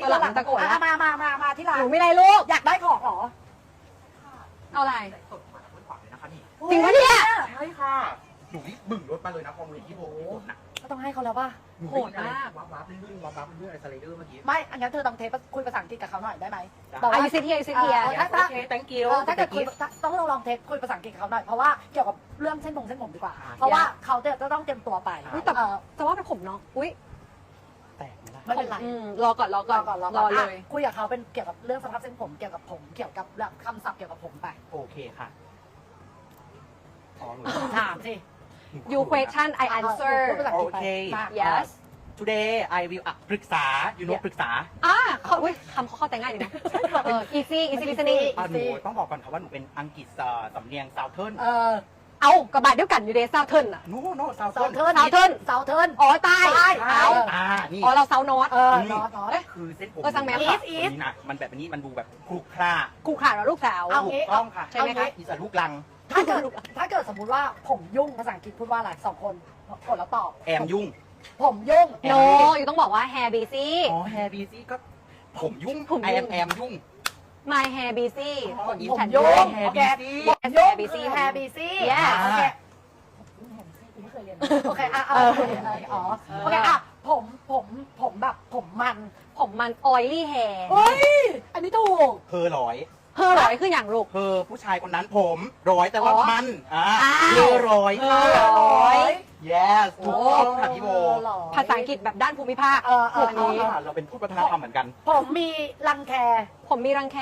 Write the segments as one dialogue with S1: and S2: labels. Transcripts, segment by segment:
S1: ตัวหลังตะโกนแล้ว
S2: มาที่ร้าน
S1: หนูไม่ได้ลูก
S2: อยากได้ของเหรอ
S1: เอาอะไร
S3: สดมาจากขวาเลยนะคะนี่
S1: จริงปะเนี่ย
S3: ใช่ค่ะหนูนี่บึ่งรถมาเลยนะพอมือที่โบกดนะ
S2: ก็ต้องให้เขาแล้วป่ะ
S1: โหดมาก
S3: วับวับลื่นวับวับลื่นอะไรสไลเดอร์เมื่อกี้
S2: ไม่อันนั้นเธอต้องเทสคุยภาษาอังกฤษกับเขาหน่อยได้ไหม
S1: อายุซิเทียซิเทีย
S2: ถ้า
S3: โอเค thank you
S2: ถ้าเกิดคุยต้องลองเทสคุยภาษาอังกฤษกับเขาหน่อยเพราะว่าเกี่ยวกับเรื่องเส้นผมดีกว่า เพราะว่าเขาจะต้องเตรียมตัวไป
S1: อุ๊ยแต่จะว่าเป็นผมเนาะอุ้ย
S3: แตกไหมล่ะ
S2: ไม่เป็นไร
S1: รอก่อนรอก่อนรอเลย
S2: คุยกับเขาเป็นเกี่ยวกับเรื่องสภาพเส้นผมเกี่ยวกับผมเกี่ยวกับคำศัพท์เกี่ยวกับผมไป
S3: โอเคค่ะอ๋อหนู
S2: ถามสิ
S1: you question I answer
S2: พูดภาษาอังกฤษไป
S3: โอเค
S2: มา
S1: yes
S3: today I will ปรึกษา you know ปรึกษา
S1: เขาอุ้ยคำเขาเข้าใจง่ายดีนะeasy listening
S3: หนูต้องบอกก่อนค่ะว่าหนูเป็นอังกฤษสำเนียง southern
S1: เอากระบาดเดียวกันอยู่เดซาวเทิร์นอะ
S3: no southern
S2: เซาเทิร์น
S1: อ๋อใต้
S3: นี่
S1: อ๋อเราเซาโนต
S2: นอต
S3: คือเส้นผม
S1: สั่งแมว
S3: นี่นะมันแบบนี้มันดูแบบคลุกคล่า
S1: คู่ขาดเราลูกสาว
S3: ถูกต้องค่ะ
S1: ใช่ไหมคะ
S3: อีสานลูกลัง
S2: ถ้าเกิดสมมุติว่าผมยุ่งภาษาอังกฤษพูดว่าอะไร2 คนกดแล้วตอบ
S3: แอมยุ่ง
S2: ผมยุ่ง
S1: โนอยู่ต้องบอกว่า hair busy
S3: อ๋อแฮร์บีซี่ก็ผมยุ่ง
S1: ผมยุ่ง
S3: แอมยุ่ง
S1: my hair busy
S2: ผมยุ่ง
S3: แฮ
S2: โอ
S3: ร์
S2: เค
S3: บีซี่
S2: ผมยุ่ง
S1: Hair busy
S2: แฮร์บีซี่
S1: Yes
S2: โอเคไม่เคยเรียนโอเคอ๋อโอเคผมแบบผมมัน
S1: ผมมัน oily hair
S2: เฮ้ยอันนี้ถูก
S3: เพอร้อย
S1: เฮ้อร้อยคืออย่างลูก
S3: เพอผู้ชายคนนั้นผมร้อยแต่ว่า
S1: อ๋อ
S3: มัน
S1: อ้าว
S3: เพอร้อยค่ะ
S1: เพอร้อย
S3: yes ถูกต้องค่ะพี่โบ
S1: ภาษาอังกฤษแบบด้านภูมิภาค
S3: อันนี้เราเป็นพูดวัฒนธรรมเหมือนกัน
S2: ผมมีรังแค
S1: ผมมีรังแค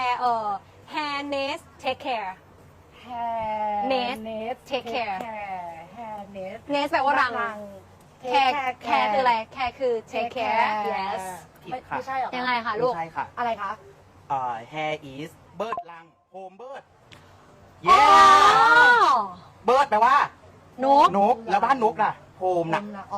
S1: hair nest take care
S2: แฮร์
S1: Nest take care
S2: แฮร์เนส
S1: nest แปลว่ารัง care care คืออะไร care คือ take care yes
S2: ไม่ใช่หรอ
S1: ยังไงคะลูก
S3: ไม่ใช่ค่ะ
S2: อะไรคะ
S3: hair is bird ลัง home bird
S1: อ๋อ
S3: yes bird แปลว่าน
S1: ก
S3: นกแล้วบ้านนกล่ะ home น่ะ
S2: อ๋อ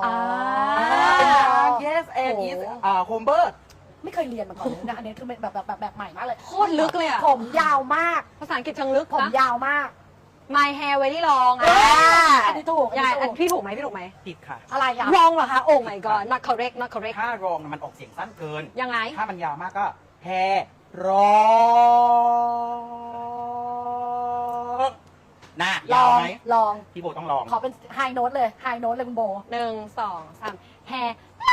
S3: yes and is home bird
S2: ไม่เคยเรียนมาก่อนเลยนะอันนี้คือแบบใหม่มากเลย
S1: โคตรลึกเลยอ่ะ
S2: ผมยาวมาก
S1: ภาษาอังกฤษเชิงลึก
S2: ผม
S1: นะ
S2: ยาวมาก
S1: my hair very long
S2: อันนี้ถูก
S1: ยังไงอันพี่ถูกไหมพี่ถูกไหม
S3: ผิดค่ะ
S2: อะไรอ่ะ
S1: wrong เหรอคะ oh my god not correct not correct
S3: ถ้ารองมันออกเสียงสั้นเกิน
S1: ยังไง
S3: ถ้ามันยาวมากก็ hair รองน่ะ
S2: ล
S3: ยาว
S2: อง
S3: ไหม
S2: ลอง
S3: พี่โบต้องลอง
S2: ขอเป็นไฮโน้ตเลยไฮโน้ตเลยคุณโบ
S1: 1 2 3 hair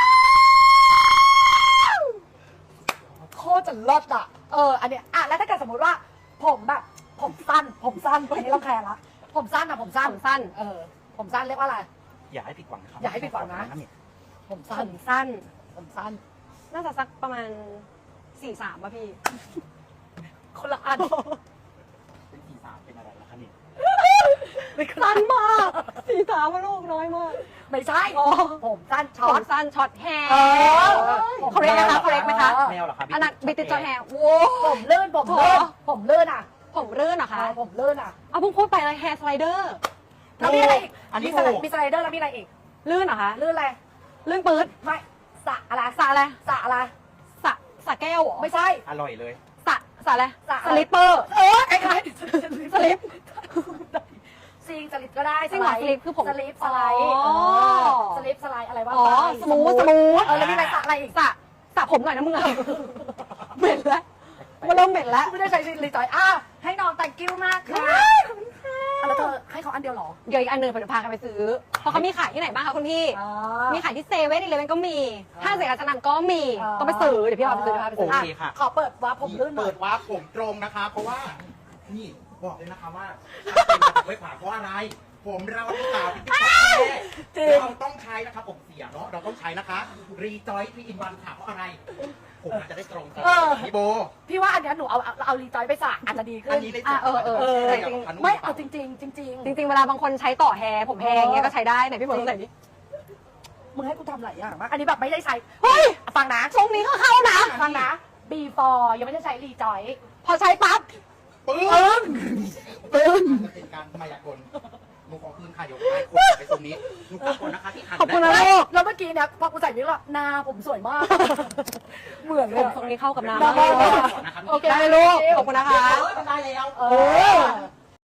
S2: โคตรจะเลิศอ่ะอันเนี้ยแล้วถ้าเกิดสมมติว่าผมแบบผมสั้นอันนี้เราแคร์ละผมสั้นอ่ะผมสั้น
S1: ผมสั้น
S2: ผมสั้นเรียกว่าอะไร
S3: อย่าให้ผิดหวังนะครับ
S2: อย่าให้ผิดหวังนะ ผม
S1: ผ
S2: สั้น
S1: มสั้น
S2: ผมสั้น
S1: น่าจะสักประมาณ 4-3ป่ะพี่
S2: คนละอัน
S3: เป็นสีสามเป็นอะไรล่ะคะเนี่ย
S1: สั้นมาก4-3ว่าลูกน้อยมาก
S2: ไม่ใช่
S1: อ๋อ
S2: ผมสั้น
S1: ผ
S2: ช็อ
S1: ม
S2: ต
S1: สั้นช็อตแฮร์
S2: ผม
S1: correct ไหมคะ correct ไหมคะ
S3: แมวเหรอครับ
S1: อันนั้นบิติช็อตแฮร์โว้
S2: ผมลื่นผมลื่นผมลื่นอ่ะ
S1: ผมรื่นเหรอคะ
S2: ผมลื่นอ่ะ
S1: เอาเพิ่งพูดไปเลยแฮร์สไลเดอร์
S2: แล้วมีอะไรอีก
S3: อันนี้
S2: มี
S3: ถูก
S2: สไลเดอร์แล้วมีอะไรอีก
S1: ลื่นเหรอคะ
S2: ลื่นอะไร
S1: ลื่นปื๊ด
S2: ไม่สระอะไร
S1: สระอะไร
S2: สระอะไร
S1: สระแก้วเหรอ
S2: ไม่ใช่
S3: อร่อยเลย
S1: สระอะไร
S2: สระ
S1: สลิปเปอร์
S2: คล้ายๆ
S1: สลิป
S2: ซิงสลิปก็ได้
S1: ซิ่งเหรอสลิปคือผม
S2: สลิปสไลด์
S1: อ๋อ
S2: สลิปสไลด์อะไรวะ
S1: อ๋อสมูท
S2: แล้วมีอะไรสระอะไรอีก
S1: สระผมหน่อยนะมึงอะเหม็นแล้วมันเริ่มเหม็นแล้ว
S2: ไม่ได้ใช้รีจอยให้น้องแต่งกิ้วมากค่ะแล้วเธอให้เขาอันเดียวเหรอ
S1: เดี๋ยวอีกอันหนึ่งผมจะพากันไปซื้อ เพราะเขามีขายที่ไหนบ้างคะคุณพี่ มีขายที่เซเว่นอีเลฟเว่นก็มีห้างเสรีรัชนันก็มี ต้องไปซื้อ เดี๋ยวพี่เอาไปซื้อ
S3: โอเคค่ะ
S2: ขอเปิดว่าผมลื่นหน่
S3: เปิ
S2: อย
S3: ดวาร์ปผมตรงนะคะ เพราะว่า นี่บอกเลยนะคะว่าเป็นมาจากไว้ขวาเพราะอะไร ผมเราที่สาวที่ติ๊กต็อกเราต้องใช้นะคะผมเสียเนาะเราต้องใช้นะคะรีจอยที่อินวันค่ะเพราะอะไร ผมอาจจะได้ตรงกับพี่โบ
S2: พี่ว่าอันเนี้ยหนูเอารีจอยไปสระอาจจะดีขึ้
S3: อั
S2: น
S3: นนี้ได้
S2: ไม่เอาจริง
S1: จริงๆเวลาบางคนใช้ต่อแฮร์ผมแพงอย่างเงี้ยก็ใช้ได้ไหนพี่บอกตรงไหนดิ
S2: มึงให้กูทำหลายอย่างมากอันนี้แบบไม่ได้ใช้
S1: เฮ้ย
S2: ฟังนะ
S1: ทรงนี้ก็เข้านะ
S2: ฟังนะ before ยังไม่ได้ใช้รีจอย
S1: พอใช้ปั๊บ
S3: ปึ้งเป็นการมายากลหนูขอคืนค่ะเดี๋ยวไปคนไปตรงนี้หนูขอบคุณนะคะที่หัน
S1: ขอบคุณนะลูก
S2: แล้วเมื่อกี้เนี่ยพอกูใส่วิกแล้วหน้าผมสวยมาก เหมือนเล
S1: ผ
S2: ย
S1: มทรงนี้เข้ากับน้ำ
S2: ได้
S1: มาก
S2: ได้
S1: โอเคได้ลูก ขอบคุณนะคะ
S3: มันได้แล้ว
S2: เออ